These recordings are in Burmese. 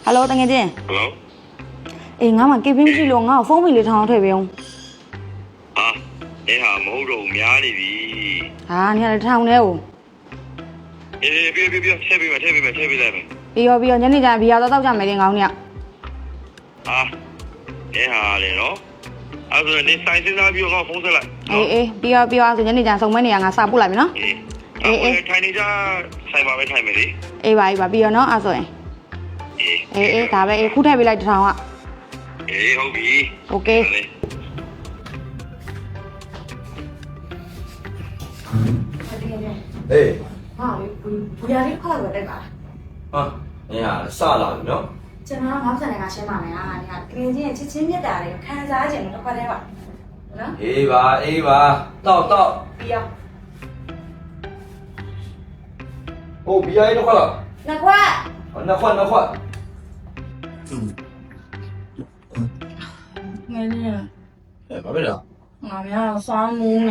Hello တကယ်ချင်း Hello အေးငါမှကေပင်းမရှိလို့ငါ့ကိုဖုန်းမီလေးထောင်းထည့်ပေးအောင်ဟာနေဟာမဟုတ်တော့များနေပြီဟာနေရာထောင်းနေဦးအေးပြထည့်ပေးလိုက်မယ်ပြီးရောညနေကျရင်ဘီယာတော့တောက်ကြမယ်လေငောင်းနေရဟာနေဟာလေနော်အဲ့ဒါနေဆိုင်စင်းသားပြီးတော့ဖုန်းဆက်လိုက်အေးပြီးရောဆိုညနေကျရင်စုံမနေရငါစာပို့လိုက်မယ်နော်အေးထိုင်နေကြဆိုင်ပါပဲထိုင်မယ်လေအေးပါပြီးရောနော်အဲ့ဆိုရင်အေးဒါပဲအေးခုထည့်ပေးလိုက်တစ်ထောင်ကအေးဟုတ်ပြီโอเคအေးဟာဘူရာလေးခေါက်ရတဲ့ပါဟာနေဟာစလာပြီနော်ကျွန်တော်ငေါ့ဆန်တွေကရှင်းပါမယ်ဟာနေကတကယ်ချင်းချစ်ချင်းမြတ်တာတွေခံစားခြင်းတော့ခွက်သေးပါနော်အေးပါတောက်ပြီးရောဟိုဘီယာလေးတော့ခလာနှစ်ခွက်နှစ်ခွက်ငယ်လေးဘာပဲလားငါများစားမူးနေ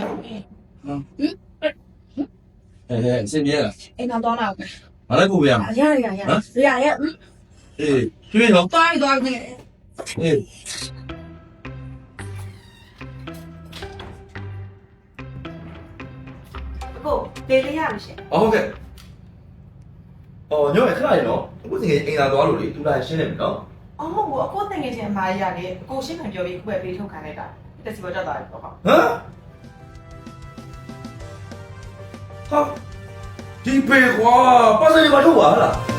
စင်ပြေလားအိမ်တော့တော့ပဲငါလည်းပို့ပြရမှာရရအေးတွေ့တော့သွားနေအေးကိုလေးလေးရမရှင်ဟုတ်ကဲ့အော်ညောခဏလေးနော်အခုတကယ်အိမ်သာသွားလို့လေသူလာရှင်းနေပြီနော်အော်မဟုတ်ဘူးအခုတင်ငယ်ချင်းအမားကြီးရတယ်အကိုရှင်းခံပြောပြီးခုပဲပေးထုတ်ခံလိုက်တာတက်စီပေါ်တက်သွားပြီပေါ့ဟုတ်ဟမ်ဟာဒီပေကွာပတ်စံတွေမထုတ်ပါလား